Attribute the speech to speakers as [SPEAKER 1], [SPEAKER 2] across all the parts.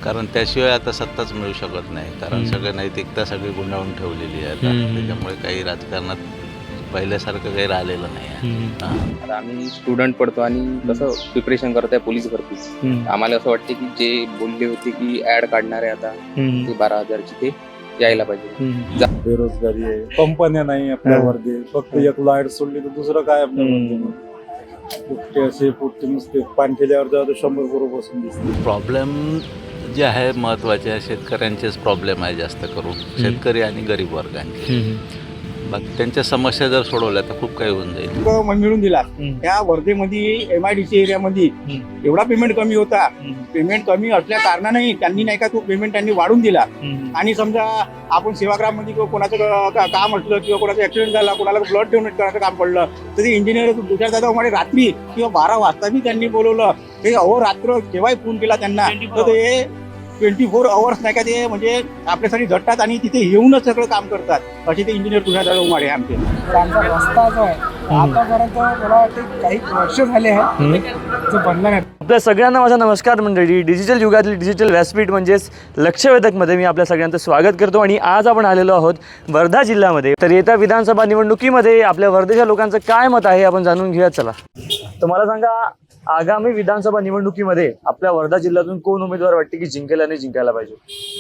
[SPEAKER 1] कारण त्याशिवाय आता सत्ताच मिळू शकत नाही. कारण सगळं नैतिकता सगळी गुंडाळून ठेवलेली आहे आता. त्याच्यामुळे काही राजकारणात पहिल्यासारखं काही राहिलेलं नाही आहे.
[SPEAKER 2] आता आम्ही स्टुडंट पडतो आणि कसं प्रिपरेशन करत आहे पोलीस भरती. आम्हाला असं वाटते की जे बोलले होते की ऍड काढणार आहे आता ते 12,000ची ते यायला पाहिजे.
[SPEAKER 3] बेरोजगारी आहे, कंपन्या नाही आपल्यावरती, फक्त एक लाईट सोडली तर दुसरं काय आपल्यावरती. पुट्टे असे पुट्टे नुसते पाणी केल्यावर जाऊ 100 बरोबर बसून दिसते.
[SPEAKER 1] प्रॉब्लेम जे आहे महत्त्वाचे आहे शेतकऱ्यांचेच प्रॉब्लेम आहे जास्त करून. शेतकरी आणि गरीब वर्गांचे. बाकी त्यांच्या समस्या जर सोडवल्या तर खूप काही होऊन जाईल.
[SPEAKER 4] मिळून दिला त्या वर्धेमध्ये MIDC एरियामध्ये एवढा पेमेंट कमी होता. पेमेंट कमी असल्या कारणाने त्यांनी नाही का तो पेमेंट त्यांनी वाढून दिला. आणि समजा आपण सेवाग्राम मध्ये कोणाचं काम असलं किंवा कोणाचा ऍक्सिडेंट झाला, कोणाला ब्लड डोनेट करायचं काम पडलं तर ते इंजिनियर तुषार दादा उमाडे रात्री किंवा 12 वाजता बी त्यांनी बोलवलं. ते अहोरात्र केव्हाही फोन केला त्यांना तर ते 24 आवर्स नाही का ते म्हणजे आपल्यासाठी झटतात आणि तिथे येऊनच सगळं काम करतात. असे ते इंजिनियर तुषार दादा उमाडे आमचे.
[SPEAKER 5] आमचा रस्ता जो आहे आतापर्यंत मला वाटतं काही वर्ष झाले आहे जो बनला नाही.
[SPEAKER 6] आपल्या सगळ्यांना माझा नमस्कार मंडळी. डिजिटल युगातली डिजिटल व्यासपीठ म्हणजेच लक्षवेधकमध्ये मी आपल्या सगळ्यांचं स्वागत करतो. आणि आज आपण आलेलो आहोत वर्धा जिल्ह्यामध्ये. तर येत्या विधानसभा निवडणुकीमध्ये आपल्या वर्धेच्या लोकांचं काय मत आहे आपण जाणून घेऊया. चला तर मला सांगा, आगामी विधानसभा निवडणुकीमध्ये आपल्या वर्धा जिल्ह्यातून कोण उमेदवार वाटते की जिंकेल आणि जिंकायला पाहिजे?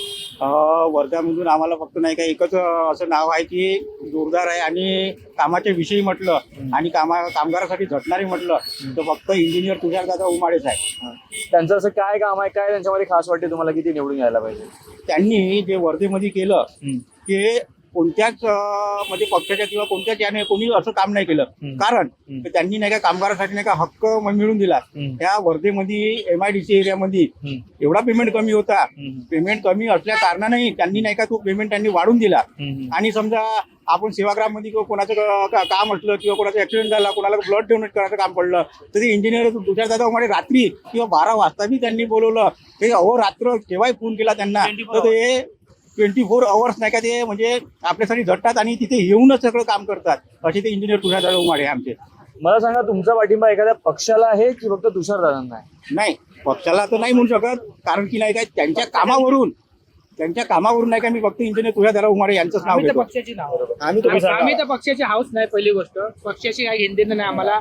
[SPEAKER 4] वर्ध्यामधून आम्हाला फक्त नाही का एकच असं नाव आहे की जोरदार आहे आणि कामाच्या विषयी म्हटलं आणि कामगारासाठी झटणारे म्हटलं तर फक्त इंजिनियर तुषार दादा उमाडेच आहे.
[SPEAKER 6] त्यांचं असं काय काम आहे, काय त्यांच्यामध्ये खास वाटते तुम्हाला की ते निवडून यायला पाहिजे?
[SPEAKER 4] त्यांनी जे वर्धेमध्ये केलं ते कोणत्याच म्हणजे पक्षाच्या किंवा कोणत्याच याने कोणी असं काम नाही केलं. कारण त्यांनी नाही का कामगारासाठी नाही का हक्क मिळून दिला. त्या वर्धेमध्ये MIDC एरियामध्ये एवढा पेमेंट कमी होता. पेमेंट कमी असल्या कारणाने त्यांनी नाही का तो पेमेंट त्यांनी वाढून दिला. आणि समजा आपण सेवाग्राम मध्ये किंवा कोणाचं काम असलं किंवा कोणाचा ऍक्सिडेंट झाला, कोणाला ब्लड डोनेट करायचं काम पडलं तर ते इंजिनियर तुषार दादा उमाडे रात्री किंवा 12 वाजता बी त्यांनी बोलवलं. ते अहोरात्र केव्हाही फोन केला त्यांना तर ते 24 आवर्स नाही का ते म्हणजे आपल्यासाठी झटतात आणि तिथे येऊनच सगळं काम करतात. असे ते इंजिनियर तुषार दादा उमाडे आमचे.
[SPEAKER 6] मला सांगा, तुमचा पाठिंबा एखाद्या पक्षाला आहे की फक्त तुषार दादांना आहे?
[SPEAKER 4] नाही, पक्षाला तर नाही म्हणू शकत. कारण की नाही काय त्यांच्या कामावरून नाही का मी फक्त इंजिनियर तुषार दादा उमाडे यांचंच नाव घेतो.
[SPEAKER 5] पक्षाची नाव
[SPEAKER 7] आम्ही तर पक्षाची हाऊस नाही. पहिली गोष्ट पक्षाची काही घेणं देणं नाही आम्हाला.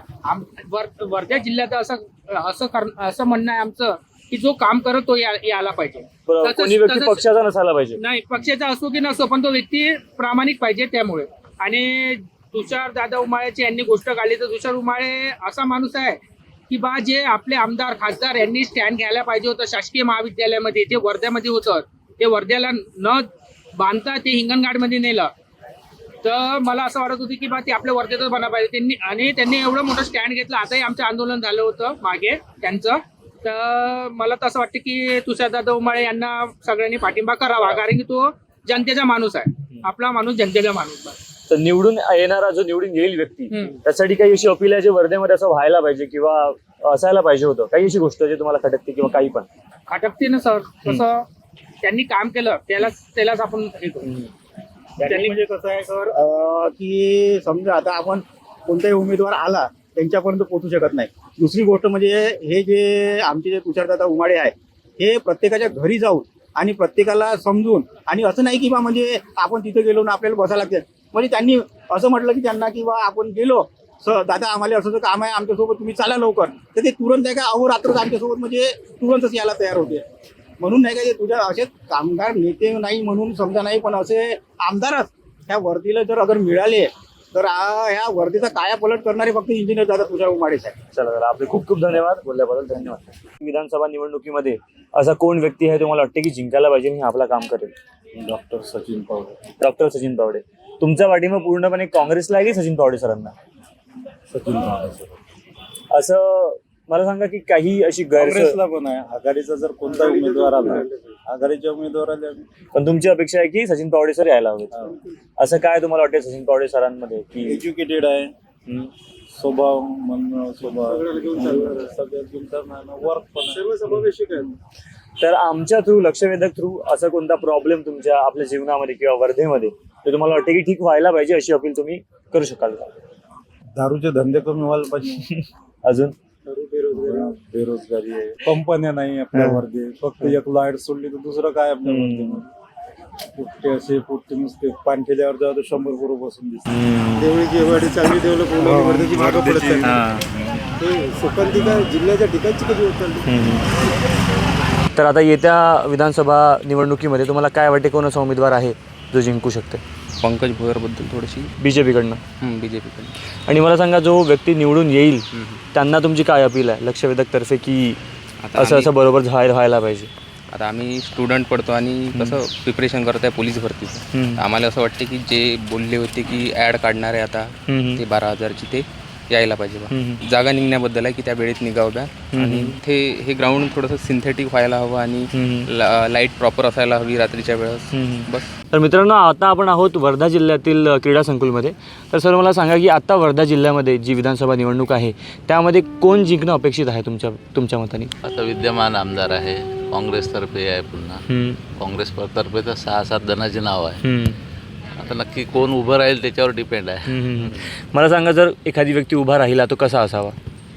[SPEAKER 7] वर्धा जिल्ह्यात असं म्हणणं आहे आमचं की जो काम करत तो यायला पाहिजे.
[SPEAKER 6] कोणी व्यक्ती पक्षाचा नसायला पाहिजे.
[SPEAKER 7] नाही, पक्षाचा असो की नसो पण तो व्यक्ती प्रामाणिक पाहिजे. त्यामुळे आणि तुषार दादा उमाळेची यांनी गोष्ट काढली तर तुषार उमाळे असा माणूस आहे की बा जे आपले आमदार खासदार यांनी स्टँड घ्यायला पाहिजे होतं शासकीय महाविद्यालयामध्ये. ते वर्ध्यामध्ये होतं. ते वर्ध्याला न बांधता ते हिंगणघाटमध्ये नेलं. तर मला असं वाटत होतं की बा ते आपल्या वर्ध्यातच बना पाहिजे. त्यांनी एवढं मोठं स्टँड घेतलं. आताही आमचं आंदोलन झालं होतं मागे त्यांचं. तर मला तर असं वाटतं की तुषारदादा उमाळे यांना सगळ्यांनी पाठिंबा करावा. कारण की तो जनतेचा माणूस आहे. आपला माणूस जनतेचा माणूस आहे.
[SPEAKER 6] तर निवडून येणारा जो निवडून येईल व्यक्ती त्यासाठी काही अशी अपील आहे जे वर्धेमध्ये असं व्हायला पाहिजे किंवा असायला पाहिजे होतं? काही अशी गोष्ट जे तुम्हाला खटकते किंवा काही पण
[SPEAKER 7] खटकते ना सर? कसं त्यांनी काम केलं त्यालाच आपण हे करू.
[SPEAKER 4] त्यांनी म्हणजे कसं आहे सर की समजा आता आपण कोणताही उमेदवार आला त्यांच्यापर्यंत पोहोचू शकत नाही. दुसरी गोष्ट म्हणजे हे जे आमचे जे तुषारदादा उमाडे आहे हे प्रत्येकाच्या घरी जाऊन आणि प्रत्येकाला समजून आणि असं नाही की बा म्हणजे आपण तिथे गेलो ना आपल्याला बसायला लागते. म्हणजे त्यांनी असं म्हटलं की त्यांना की बा आपण गेलो दादा आम्हाला असं काम आहे आमच्यासोबत तुम्ही चला लवकर. तर ते तुरंत आहे का अहोरात्रच आमच्यासोबत म्हणजे तुरंतच यायला तयार होते. म्हणून नाही का ते तुझ्या असे कामगार नेते नाही म्हणून समजा नाही पण असे आमदारच ह्या वर्दीला जर अगर मिळाले तर ह्या वर्दीचा कायापलट करणारे फक्त इंजिनियर दादा तुषार उमाडेच आहे.
[SPEAKER 6] चला आपले खूप खूप धन्यवाद बोलल्याबद्दल. धन्यवाद. विधानसभा निवडणुकीमध्ये असा कोण व्यक्ती आहे तुम्हाला वाटते की जिंकायला पाहिजे आणि आपला काम करेल?
[SPEAKER 3] डॉक्टर सचिन पावडे.
[SPEAKER 6] डॉक्टर सचिन पावडे. तुमचा पाठिंबा पूर्णपणे काँग्रेसला आहे की सचिन पावडे सरांना?
[SPEAKER 3] सचिन पावडे.
[SPEAKER 6] असं मला सांगा की काही अशी
[SPEAKER 3] काँग्रेसला पण आहे. आघाडीचा जर कोणता उमेदवार आला आघाडीच्या उमेदवाराला
[SPEAKER 6] पण तुमची अपेक्षा आहे की सचिन पावडे सर यायला हवे. असं काय तुम्हाला वाटतं सचिन पावडे सरांमध्ये की
[SPEAKER 3] एज्युकेटेड आहे, स्वभाव म्हणणं स्वभाव सगळ्यात वर्क पण सर्वसमावेशक आहे.
[SPEAKER 6] तर आमच्या थ्रू लक्षवेधक थ्रू असं कोणता प्रॉब्लेम तुमच्या आपल्या जीवनामध्ये किंवा वर्धेमध्ये ते तुम्हाला वाटते की ठीक व्हायला पाहिजे अशी अपील तुम्ही करू शकाल का?
[SPEAKER 3] दारूचे धंदे कमी व्हायला पाहिजे.
[SPEAKER 6] अजून
[SPEAKER 3] बेरोजगारी आहे, कंपन्या नाही आपल्या वर्धे. फक्त एक लाईट सोडली तर दुसरं काय आपल्या वर्धेमध्ये. पुट्टे असे पुट्टे नुसते पाणठेल्यावर जेव्हा 100 पोरं बसून दिसतात.
[SPEAKER 8] देवळीची एवढी चांगली डेव्हलप होऊन वर्धेची मागं पडत आहे. ते सुकांती काय जिल्ह्याच्या ठिकाणची कधी होत चालली.
[SPEAKER 6] तर आता येत्या विधानसभा निवडणुकीमध्ये तुम्हाला काय वाटते कोण असा उमेदवार आहे जो जिंकू शकते
[SPEAKER 2] पंकज भोयरबद्दल थोडीशी
[SPEAKER 6] बीजेपीकडनं?
[SPEAKER 2] बीजेपीकडे.
[SPEAKER 6] आणि मला सांगा, जो व्यक्ती निवडून येईल त्यांना तुमची काय अपील आहे लक्षवेधकतर्फे, की असं बरोबर व्हायला पाहिजे?
[SPEAKER 2] आता आम्ही स्टुडंट पडतो आणि कसं प्रिपरेशन करत आहे पोलीस भरतीचं. आम्हाला असं वाटते की जे बोलले होते की ॲड काढणार आहे आता ते 12,000ची ते यायला पाहिजे बा. जागा निघण्याबद्दल आहे की त्या वेळेत निघावं बा. आणि हे ग्राउंड थोडंसं सिंथेटिक व्हायला हवं आणि लाईट प्रॉपर असायला हवी रात्रीच्या वेळेस. बस.
[SPEAKER 6] तर मित्रांनो, आता आपण आहोत वर्धा जिल्ह्यातील क्रीडा संकुलमध्ये. तर सर मला सांगा की आता वर्धा जिल्ह्यामध्ये जी विधानसभा निवडणूक आहे त्यामध्ये कोण जिंकणं अपेक्षित आहे तुमच्या मताने?
[SPEAKER 1] आता विद्यमान आमदार आहे, काँग्रेसतर्फे आहे, पुन्हा काँग्रेसतर्फे तर 6-7 जणांचे नाव आहे. आता नक्की कोण उभं राहील त्याच्यावर डिपेंड आहे.
[SPEAKER 6] मला सांगा, जर एखादी व्यक्ती उभा राहिला तो कसा असावा?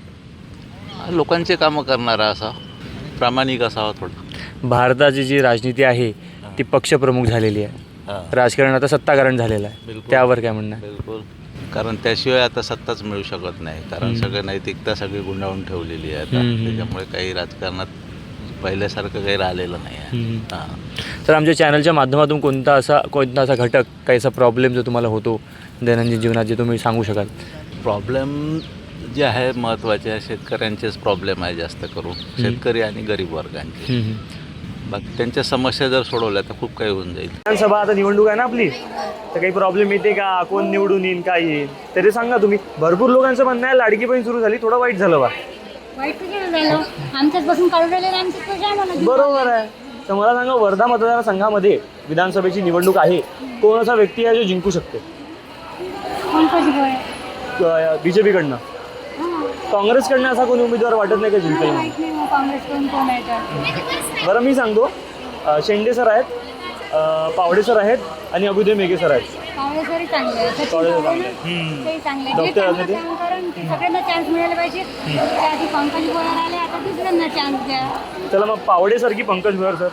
[SPEAKER 1] लोकांचे कामं करणारा असा, प्रामाणिक असावा थोडा.
[SPEAKER 6] भारताची जी राजनीती आहे ती पक्षप्रमुख झालेली आहे, राजकारण आता सत्ताकारण झालेलं आहे,
[SPEAKER 1] बिलकुल.
[SPEAKER 6] त्यावर काय म्हणणं आहे?
[SPEAKER 1] बिलकुल. कारण त्याशिवाय आता सत्ताच मिळू शकत नाही. कारण सगळं नैतिकता सगळी गुंडाळून ठेवलेली आहे आता. त्याच्यामुळे काही राजकारणात पहिल्यासारखं काही राहिलेलं नाही आहे.
[SPEAKER 6] तर आमच्या चॅनलच्या माध्यमातून कोणता असा घटक, काही असा प्रॉब्लेम जो तुम्हाला होतो दैनंदिन जीवनात, जे तुम्ही सांगू शकाल?
[SPEAKER 1] प्रॉब्लेम जे आहे महत्त्वाचे आहे, शेतकऱ्यांचेच प्रॉब्लेम आहे जास्त करून. शेतकरी आणि गरीब वर्गांचे. बाकी त्यांच्या समस्या जर सोडवल्या तर खूप काही होऊन जाईल.
[SPEAKER 6] विधानसभा आता निवडणूक आहे ना आपली, तर काही प्रॉब्लेम येते का? कोण निवडून येईल, काय येईल तरी सांगा तुम्ही. भरपूर लोकांचं म्हणणं आहे लाडकी बहीण सुरू झाली, थोडं वाईट झालं बा.
[SPEAKER 9] वाईट कसं झालं? आमच्याच पासून काढून राहिले आमच्याच पैसे आम्हाला देऊन
[SPEAKER 6] बरोबर आहे. तर मला सांगा, वर्धा मतदारसंघामध्ये विधानसभेची निवडणूक आहे, कोण असा व्यक्ती आहे जो जिंकू शकते?
[SPEAKER 9] कोण पैसे गोळे?
[SPEAKER 6] बीजेपीकडनं? काँग्रेसकडनं असा कोणी उमेदवार वाटत नाही का जिंकेल?
[SPEAKER 9] माहित नाही मग काँग्रेसकडून कोण आहे तर.
[SPEAKER 6] बरं मी सांगतो, शेंडे सर आहेत, पावडे सर आहेत आणि अभुदय मेघे सर आहेत.
[SPEAKER 9] काँग्रेसवरही चांगले आहे, सचिन
[SPEAKER 6] काँग्रेस
[SPEAKER 9] पवार
[SPEAKER 6] चांगले.
[SPEAKER 9] तेही चांगले. जे
[SPEAKER 6] डॉक्टर
[SPEAKER 9] चांगलं
[SPEAKER 6] आझादी?
[SPEAKER 9] काम करून सगळ्यांना चान्स मिळाला पाहिजे. आधी पंकज गोळे आले, आता दुसऱ्यांना चान्स द्या.
[SPEAKER 6] चला मग पावडे सर की पंकज भुयार सर?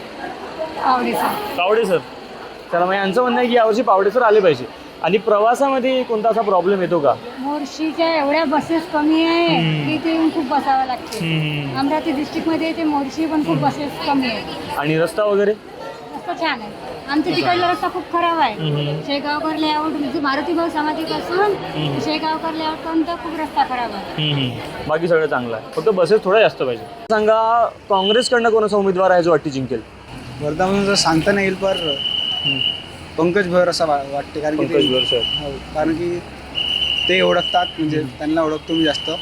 [SPEAKER 9] काँग्रेस
[SPEAKER 6] पावडे सर. चला मग यांचं म्हणणं आहे की यावर्षी पावडे सर आले पाहिजे. आणि प्रवासामध्ये कोणता असा प्रॉब्लेम येतो का?
[SPEAKER 9] मोर्शीच्या एवढ्या बसेस कमी आहे की ते खूप बसावं लागते. अमरावती डिस्ट्रिक्टमध्ये ते मोर्शी पण खूप बसेस कमी आहे.
[SPEAKER 6] आणि रस्ता वगैरे?
[SPEAKER 9] रस्ता छान आहे. आमच्या तिकडला रस्ता खूप खराब आहे. शेगावकर लेआउट मारुती भाऊ समाधीपासून शेगावकर लेआउट पर्यंत खूप रस्ता खराब आहे.
[SPEAKER 6] बाकी सगळं चांगलं आहे, फक्त बसेस थोड्या जास्त पाहिजे. सांगा, काँग्रेसकडनं कोणाचा उमेदवार आहे जो वाटते जिंकेल?
[SPEAKER 8] वर्धामधून जर सांगता नाही येईल, पर पंकज भोयर असं वाटते. कारण की
[SPEAKER 6] पंकज भुयार सर.
[SPEAKER 8] हो, कारण की ते ओळखतात, म्हणजे त्यांना ओळखतो मी जास्त.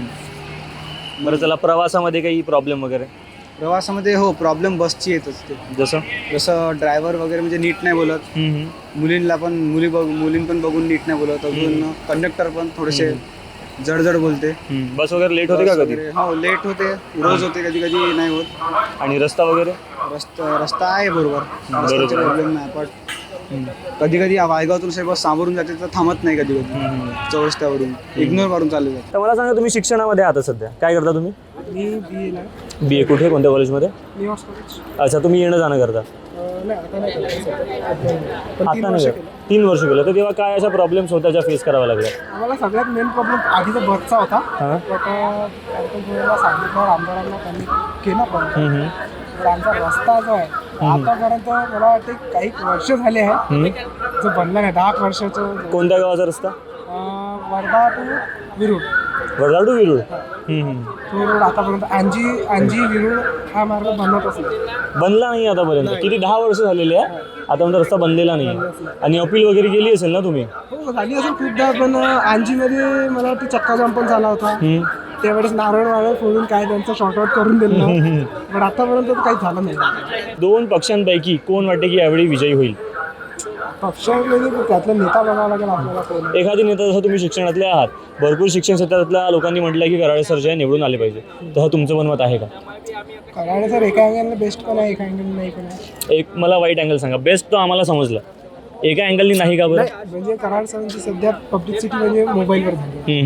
[SPEAKER 6] बरं चला, प्रवासामध्ये काही प्रॉब्लेम वगैरे?
[SPEAKER 8] प्रवासामध्ये हो, प्रॉब्लेम बसची येत असते. जसं ड्रायव्हर वगैरे म्हणजे नीट नाही बोलत. मुलींना पण मुलीं पण बघून नीट नाही बोलत. अजून कंडक्टर पण थोडेसे जड बोलते.
[SPEAKER 6] बस वगैरे लेट होते का कधी?
[SPEAKER 8] हो, लेट होते, रोज होते, कधी कधी नाही होत.
[SPEAKER 6] आणि रस्ता वगैरे?
[SPEAKER 8] रस्ता आहे बरोबर, प्रॉब्लेम नाही. पण कधी कधी वायगावातून से बस सामोरून जाते तर थांबत नाही, कधी कधी चौरस्त्यावरून इग्नोर मारून चालले जाते.
[SPEAKER 6] तर मला सांगा, तुम्ही शिक्षणामध्ये आता सध्या काय करता तुम्ही?
[SPEAKER 5] मी बी एला
[SPEAKER 6] बी ए कुठे, कोणत्या कॉलेजमध्ये?
[SPEAKER 5] New York college.
[SPEAKER 6] अच्छा, तुम्ही येणं जाणं करता?
[SPEAKER 5] नाही आता नाही करत.
[SPEAKER 6] आता नाही का? 3 वर्ष केलं. तर तेव्हा काय अशा प्रॉब्लेम्स होत्या ज्या फेस कराव्या लागल्या?
[SPEAKER 5] आम्हाला सगळ्यात मेन प्रॉब्लेम आधीचा बसचा होता.
[SPEAKER 6] हां.
[SPEAKER 5] वेळेला सांगितलं आमदारांना, त्यांनी केला पण. तर आमचा रस्ता जो आहे आतापर्यंत मला वाटते काही वर्ष झाले आहे जो बनला नाही. 10 वर्षाचं.
[SPEAKER 6] कोणत्या गावाचा रस्ता?
[SPEAKER 5] वर्धा टू विरुड.
[SPEAKER 6] वर्धा टू विरुड?
[SPEAKER 5] विरुड आतापर्यंत अंजी विरुड हा मार्ग बनतच नाही.
[SPEAKER 6] बनला नाही आतापर्यंत? किती 10 वर्ष झालेली आहे आतापर्यंत रस्ता बनलेला नाही. आणि अपील वगैरे केली असेल ना तुम्ही?
[SPEAKER 5] हो, झाली असेल खूपदा. पण अंजीमध्ये मला वाटतं चक्का जाम पण झाला होता. त्यावेळेस नारळ फोडून काय त्यांचं शॉर्टआउट करून दिलं. पण आतापर्यंत काही झालं नाही.
[SPEAKER 6] 2 पक्षांपैकी कोण वाटते की यावेळी विजयी होईल?
[SPEAKER 5] पक्षामध्ये त्यातला नेता बघावा लागेल आपल्याला कोण.
[SPEAKER 6] एखादी नेता, जसं तुम्ही शिक्षणातले आहात, भरपूर शिक्षण क्षेत्रातल्या लोकांनी म्हटलं की कराळे सर जे आहे निवडून आले पाहिजे, तर तुमचं पण मत आहे का?
[SPEAKER 5] कराळे सर एका अँगलने बेस्ट पण आहे, एका अँगलने नाही पण आहे.
[SPEAKER 6] एक मला वाईट अँगल सांगा. बेस्ट तो आम्हाला समजलं, एका अँगलनी नाही का बरं?
[SPEAKER 5] म्हणजे कराळे सरांची सध्या पब्लिसिटी म्हणजे मोबाईलवर झाली.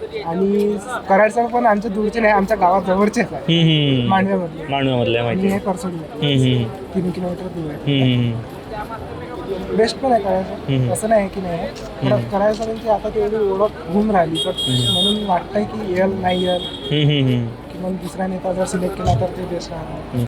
[SPEAKER 5] आणि कराडचं पण आमच्या दूरचे नाही, आमच्या गावात जवळचेच आहे, मांडव्यामधले.
[SPEAKER 6] मांडव्यामधल्या
[SPEAKER 5] आणि
[SPEAKER 6] माहिती
[SPEAKER 5] हे करसोडले
[SPEAKER 6] आहे.
[SPEAKER 5] 3 किलोमीटर दूर आहे. बेस्ट पण आहे करायचं, असं नाही की नाही आहे. करायचं म्हणजे आता तेवढी ओळख होऊन राहिली, पण म्हणून वाटतंय की येल नाही येल, की मग दुसरा नेता जर सिलेक्ट केला तर ते बेस्ट राहणार.